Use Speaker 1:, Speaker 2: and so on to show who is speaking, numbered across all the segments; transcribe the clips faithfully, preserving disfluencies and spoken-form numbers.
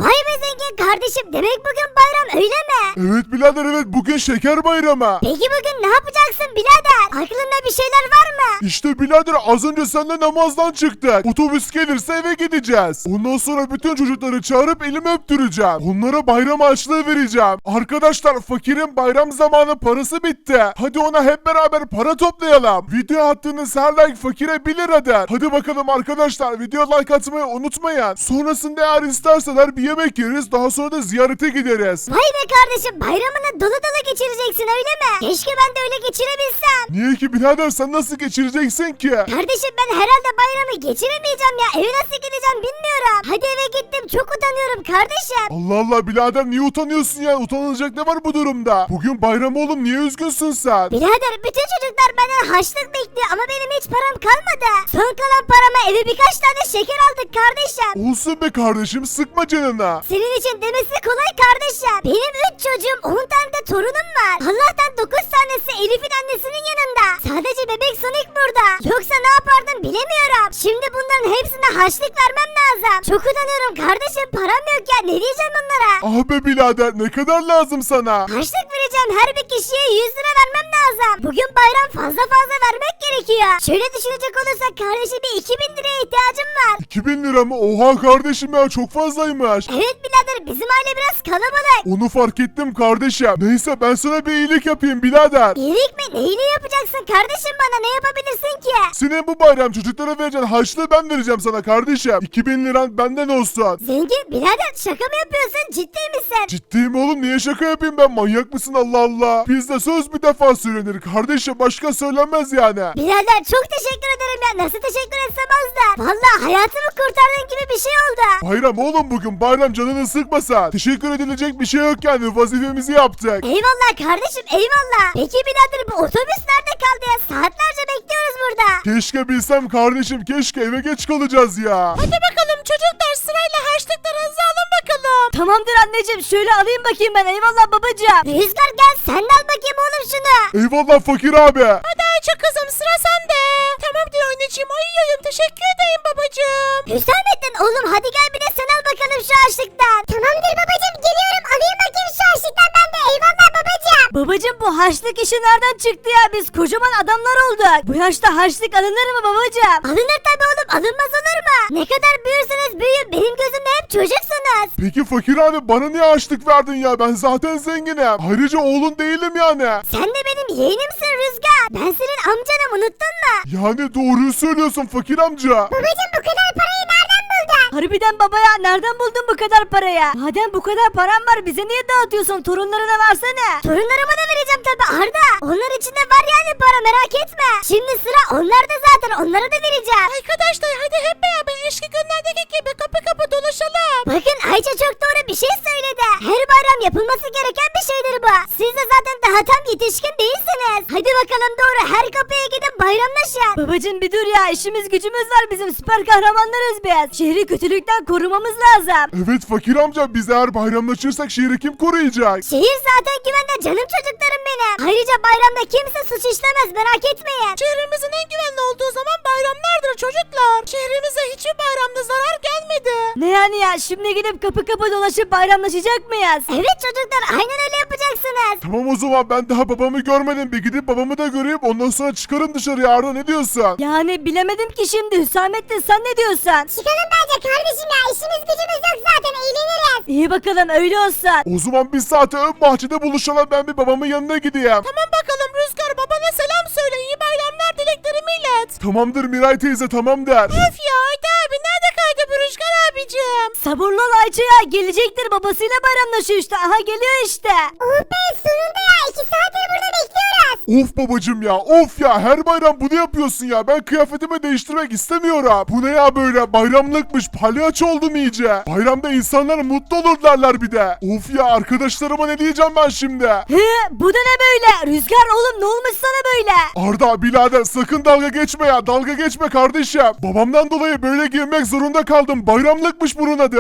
Speaker 1: Vay be zengin kardeşim, demek bugün bayram öyle mi?
Speaker 2: Evet birader, evet, bugün şeker bayramı.
Speaker 1: Peki bugün ne yapacaksın birader? Aklında bir şeyler var mı?
Speaker 2: İşte birader, az önce seninle namazdan çıktık. Otobüs gelirse eve gideceğiz. Ondan sonra bütün çocukları çağırıp elimi öptüreceğim. Onlara bayram harçlığı vereceğim. Arkadaşlar, fakirin bayram zamanı parası bitti. Hadi ona hep beraber para toplayalım. Video attığınız her like fakire bir liradır. Hadi bakalım arkadaşlar, video like atmayı unutmayın. Sonrasında eğer isterseler bir yemek yeriz, daha sonra da ziyarete gideriz.
Speaker 1: Vay be kardeşim, bayramını dolu dolu geçireceksin öyle mi? Keşke ben de öyle geçirebilsem.
Speaker 2: Niye ki birader, sen nasıl geçireceksin ki?
Speaker 1: Kardeşim ben herhalde bayramı geçiremeyeceğim ya. Eve nasıl gideceğim bilmiyorum. Hadi eve gittim, çok utanıyorum kardeşim.
Speaker 2: Allah Allah birader, niye utanıyorsun ya? Utanılacak ne var bu durumda? Bugün bayram oğlum, niye üzgünsün sen?
Speaker 1: Birader bütün çocuklar benden harçlık bekliyor ama benim hiç param kalmadı. Son kalan parama eve birkaç tane şeker aldık kardeşim.
Speaker 2: Olsun be kardeşim, sıkma canına.
Speaker 1: Senin için demesi kolay kardeşim. Benim üç çocuğum, on tane de torunum var. Allah'tan dokuz tanesi Elif'in annesinin yanında. Sadece bebek Sonic burada. Yoksa ne yapardım bilemiyorum. Şimdi bunların hepsine harçlık vermem lazım. Çok utanıyorum kardeşim, param yok ya, ne diyeceğim onlara?
Speaker 2: Ah be birader, ne kadar lazım sana?
Speaker 1: Harçlık vereceğim, her bir kişiye yüz lira vermem lazım. Bugün bayram, fazla fazla vermek gerekiyor. Şöyle düşünecek olursak kardeşim bir iki bin liraya ihtiyacım var.
Speaker 2: iki bin lira mı? Oha kardeşim ya, çok fazlaymış.
Speaker 1: Evet birader, bizim aile biraz kalabalık.
Speaker 2: Onu fark ettim kardeşim. Neyse, ben sana bir iyilik yapayım birader.
Speaker 1: İyilik mi? Neyini yapacaksın kardeşim bana? Ne yapabilirsin ki?
Speaker 2: Senin bu bayram çocuklara vereceğin harçlığı ben vereceğim sana kardeşim. iki bin liran benden olsun.
Speaker 1: Zengin birader, şaka mı yapıyorsun? Ciddi misin?
Speaker 2: Ciddiyim oğlum, niye şaka yapayım ben? Manyak mısın Allah Allah? Bizde söz bir defa söylenir kardeşim, başka söylenmez yani.
Speaker 1: Birader çok teşekkür ederim ya. Nasıl teşekkür etsem az da. Valla hayatımı kurtardığın gibi bir şey oldu.
Speaker 2: Bayram oğlum, bugün bayram, canını sıkmasa. Teşekkür edilecek bir şey yok yani, vazifemizi yaptık.
Speaker 1: Eyvallah kardeşim, eyvallah. Peki birader, bu otobüs nerede kaldı ya? Saatlerce bekliyoruz burada.
Speaker 2: Keşke bilsem kardeşim, keşke, eve geç kalacağız ya.
Speaker 1: Hadi bakalım çocuklar, sırayla harçlıklarınızı alın bakalım. Tamamdır anneciğim, şöyle alayım bakayım ben. Eyvallah babacığım. Rüzgar gel, sen de al bakayım oğlum şunu.
Speaker 2: Eyvallah fakir abi.
Speaker 1: Hadi Ayça kızım, sıra sende. Tamamdır anneciğim, ayıyorum, teşekkür ederim babacığım. Hüsamettin oğlum, hadi gel bir de sen al bakalım şu harçlıktan. Tamamdır babacığım, geliyorum, alayım bakayım şu harçlıktan ben de. Eyvallah babacığım. Babacığım bu harçlık işi nereden çıktı ya? Biz kocaman adamlar olduk. Bu yaşta harçlık alınır mı babacığım? Alınır tabii oğlum, alınmaz olur mu? Ne kadar büyürseniz büyüyün, benim gözümde hep çocuksunuz.
Speaker 2: Peki fakir abi, bana niye harçlık verdin ya? Ben zaten zenginim. Ayrıca oğlun değilim yani.
Speaker 1: Sen de benim yeğenimsin Rüzgar. Ben senin amcanım, unuttun mu?
Speaker 2: Yani doğruyu söylüyorsun fakir amca.
Speaker 1: Babacığım bu kadar parayı nereden buldun? Harbiden baba ya, nereden buldun bu kadar parayı? Madem bu kadar param var, bize niye dağıtıyorsun? Torunlarına versene. Torunlarıma da vereceğim tabii Arda. Onlar içinde var yani para, merak etme. Şimdi sıra onlarda zaten, onlara da vereceğim. Arkadaşlar hadi hep beraber eski günlerdeki gibi kapı kapı dolaşalım. Bakın Ayça çok doğru bir şey söyledi. Her bayram yapılması gereken bir şeydir bu. Siz de zaten daha tam yetişkin değilsiniz. Hadi bakalım doğru, her kapıya gidip bayramlaşın. Babacım bir dur ya, işimiz gücümüz var, bizim süper kahramanlarız biz. Şehri kötülükten korumamız lazım.
Speaker 2: Evet fakir amca, biz eğer bayramlaşırsak şehri kim koruyacak?
Speaker 1: Şehir zaten güvende canım çocuklarım benim. Ayrıca bayramda kimse suç işlemez, merak etmeyin. Şehrimizin en güvenli olduğu zaman bayramlardır çocuklar. Şehrimize hiçbir bayramda zarar gelmedi. Ne yani ya, şimdi gidip kapı kapı dolaşıp bayramlaşacak mıyız? Evet çocuklar, aynen öyle yapacaksınız.
Speaker 2: Tamam o zaman, ben daha babamı görmedim. Bir gidip babamı da göreyim, ondan sonra çıkarım dışarıya. Arda, ne diyorsun?
Speaker 1: Yani bilemedim ki şimdi, Hüsamettin sen ne diyorsun? Çıkalım bence kardeşim ya, işimiz gücümüz yok zaten, eğleniriz. İyi bakalım, öyle olsun.
Speaker 2: O zaman bir saate ön bahçede buluşalım, ben bir babamın yanına gideyim.
Speaker 1: Tamam bakalım Rüzgar, babana selam söyle, iyi bayramlar dileklerimi ilet.
Speaker 2: Tamamdır Miray teyze, tamam der.
Speaker 1: Öf ya Ayda abi, nerede kaydı bu Rüzgar abicim? Sabırlı ol Ayça ya, gelecektir, babasıyla bayramlaşıyor işte, aha geliyor işte. Oh be, sonunda ya, iki saattir burada bekliyoruz.
Speaker 2: Of babacım ya, of ya, her bayram bunu yapıyorsun ya. Ben kıyafetimi değiştirmek istemiyorum. Bu ne ya böyle, bayramlıkmış, palyaço oldum iyice. Bayramda insanlar mutlu olur derler bir de. Of ya, arkadaşlarıma ne diyeceğim ben şimdi?
Speaker 1: He, bu da ne böyle? Rüzgar oğlum, ne olmuş sana böyle?
Speaker 2: Arda birader, sakın dalga geçme ya, dalga geçme kardeşim. Babamdan dolayı böyle giyinmek zorunda kaldım. Bayramlıkmış bunun adı.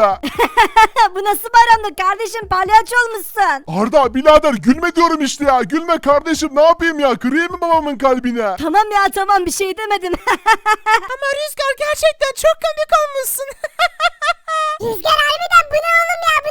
Speaker 1: Bu nasıl bayramlık kardeşim, palyaço olmuşsun.
Speaker 2: Arda birader, gülme diyorum işte ya, gülme kardeşim, ne yapayım ya, kırayım mı babamın kalbine?
Speaker 1: Tamam ya tamam, bir şey demedim. Ama Rüzgar gerçekten çok komik olmuşsun. Rüzgar harbiden bu ne oğlum ya,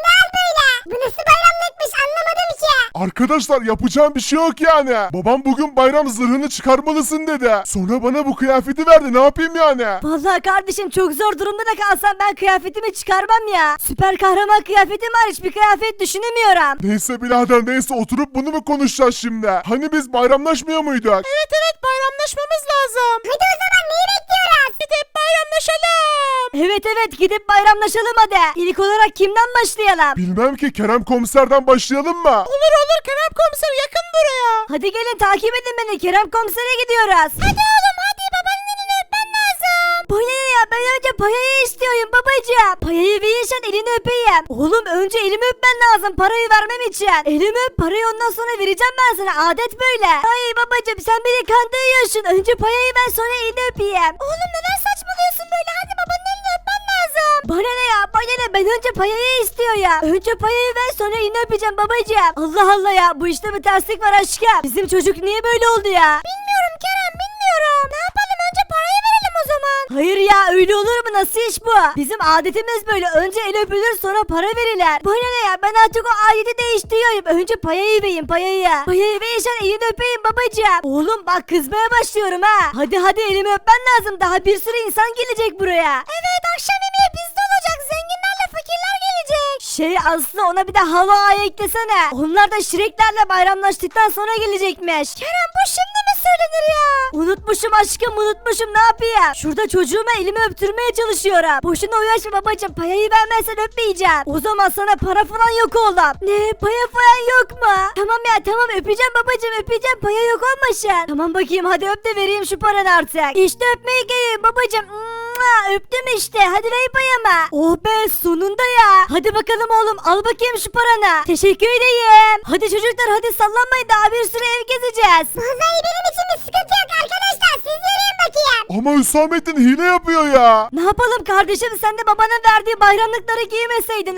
Speaker 2: Arkadaşlar yapacağım bir şey yok yani. Babam bugün bayram zırhını çıkarmalısın dedi. Sonra bana bu kıyafeti verdi, ne yapayım yani?
Speaker 1: Vallahi kardeşim çok zor durumda da kalsam ben kıyafetimi çıkarmam ya. Süper kahraman kıyafetim var, hiçbir kıyafet düşünemiyorum.
Speaker 2: Neyse birader neyse, oturup bunu mu konuşacağız şimdi? Hani biz bayramlaşmıyor muyduk?
Speaker 3: Evet evet bayramlaşmamız lazım.
Speaker 1: Hadi o zaman neyi bekliyoruz?
Speaker 3: Gidip bayramlaşalım.
Speaker 1: Evet evet gidip bayramlaşalım hadi. İlk olarak kimden başlayalım?
Speaker 2: Bilmem ki, Kerem komiserden başlayalım mı?
Speaker 3: Olur olur Kerem komiser yakın buraya.
Speaker 1: Hadi gelin takip edin beni, Kerem komisere gidiyoruz.
Speaker 3: Hadi oğlum hadi babanın elini öpmen lazım.
Speaker 1: Bu ne ya, ben önce payayı istiyorum babacığım. Payayı verirsen elini öpeyim. Oğlum önce elimi öpmen lazım parayı vermem için. Elimi öp, parayı ondan sonra vereceğim ben sana, adet böyle. Ay babacığım sen beni kandırıyorsun. Önce payayı ver sonra elini öpeyim. Oğlum neden saçmalıyorsun böyle, hadi babanın elini öpmen lazım. Bana ne ya, bana ne, ben önce payayı istiyor ya. Önce payayı ver sonra elini öpeceğim babacığım. Allah Allah ya, bu işte bir terslik var aşkım. Bizim çocuk niye böyle oldu ya? Bilmiyorum Kerem, bilmiyorum. Ne yapalım, önce parayı verelim o zaman. Hayır ya, öyle olur mu, nasıl iş bu? Bizim adetimiz böyle, önce el öpülür sonra para verilir. Bana ne ya, ben artık o adeti değiştiriyorum. Önce payayı vereyim, payayı. Payayı verirsen elini öpeyim babacığım. Oğlum bak kızmaya başlıyorum ha. Hadi hadi elimi öpmen lazım, daha bir sürü insan gelecek buraya. Evet, akşam yemeği bizde olacak, zenginlerle fakirler gelecek. Şey Aslı, ona bir de halo ağayı eklesene. Onlar da şireklerle bayramlaştıktan sonra gelecekmiş. Kerem bu şimdi mi söylenir ya? Unutmuşum aşkım, unutmuşum, ne yapayım? Şurada çocuğuma elimi öptürmeye çalışıyorum. Boşuna uğraşma babacığım, payayı vermezsen öpmeyeceğim. O zaman sana para falan yok oğlum. Ne, paya falan yok mu? Tamam ya tamam, öpeceğim babacığım, öpeceğim, paya yok olmasın. Tamam bakayım, hadi öp de vereyim şu paranı artık. İşte öpmeye geliyorum babacığım. Mua, öptüm işte, hadi ver payamı. Oh be, sonunda ya. Hadi bakalım oğlum, al bakayım şu paranı. Teşekkür edeyim. Hadi çocuklar hadi sallanmayın, daha bir sürü ev gezeceğiz. Vallahi benim için bir sıkıntı yok arkadaşlar, siz yürüyün bakayım.
Speaker 2: Ama Hüsamettin hile yapıyor ya.
Speaker 1: Ne yapalım kardeşim, sen de babanın verdiği bayramlıkları giymeseydin.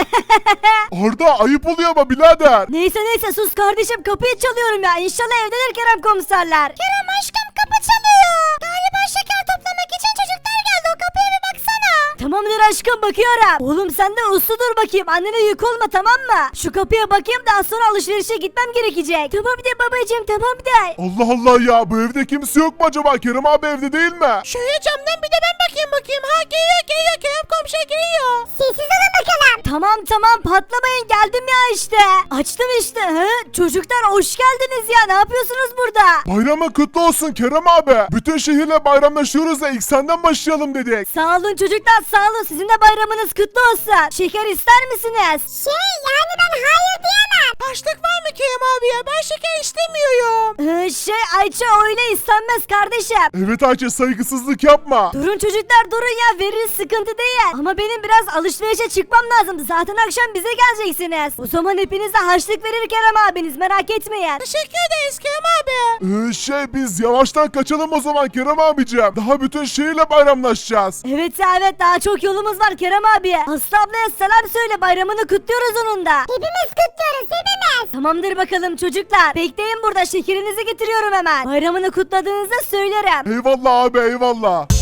Speaker 2: Arda ayıp oluyor ama birader.
Speaker 1: Neyse neyse sus kardeşim, kapıyı çalıyorum ya. İnşallah evdedir Kerem komiserler. Kerem aşkım, kapı çalıyor. Galiba şeker toplamak için çocuklar geldi, o kapıya bir baksana. Tamamdır aşkım, bakıyorum. Oğlum sen de uslu dur bakayım, annene yük olma tamam mı? Şu kapıya bakayım, daha sonra alışverişe gitmem gerekecek. Tamam de babacığım, tamam de.
Speaker 2: Allah Allah ya, bu evde kimse yok mu acaba? Kerem abi evde değil mi?
Speaker 3: Şöyle camdan bir de ben bakayım bakayım. Ha geliyor geliyor Kerem komşu geliyor.
Speaker 1: Sessiz olun bakalım. Tamam tamam, patlamayın, geldim ya işte. Açtım işte. Hı? Çocuklar hoş geldiniz ya, ne yapıyorsunuz burada?
Speaker 2: Bayramın kutlu olsun Kerem abi. Bütün şehirle bayramlaşıyoruz da ilk senden başlayalım dedik.
Speaker 1: Sağ olun çocuklar, sağ olun, sizin de bayramınız kutlu olsun. Şeker ister misiniz? Şey yani ben hayır diyemem.
Speaker 3: Açlık var mı Kerem abi ya? Ben şeker istemiyorum.
Speaker 1: Ee, şey Ayça, öyle istenmez kardeşim.
Speaker 2: Evet Ayça, saygısızlık yapma.
Speaker 1: Durun çocuklar durun ya, veririz, sıkıntı değil. Ama benim biraz alışverişe çıkmam lazım. Zaten akşam bize geleceksiniz. O zaman hepinize harçlık verir Kerem abiniz, merak etmeyin.
Speaker 3: Teşekkür ederiz Kerem abi.
Speaker 2: Ee, şey biz yavaştan kaçalım o zaman Kerem abicim. Daha bütün şehirle bayramlaşacağız.
Speaker 1: Evet ya evet, daha çok yolumuz var Kerem abi. Aslı ablaya selam söyle, bayramını kutluyoruz onun da. Hepimiz kutluyoruz, hepimiz. Tamamdır bakalım çocuklar. Bekleyin burada, şekerinizi getiriyorum hemen. Bayramını kutladığınızda söylerim.
Speaker 2: Eyvallah abi eyvallah.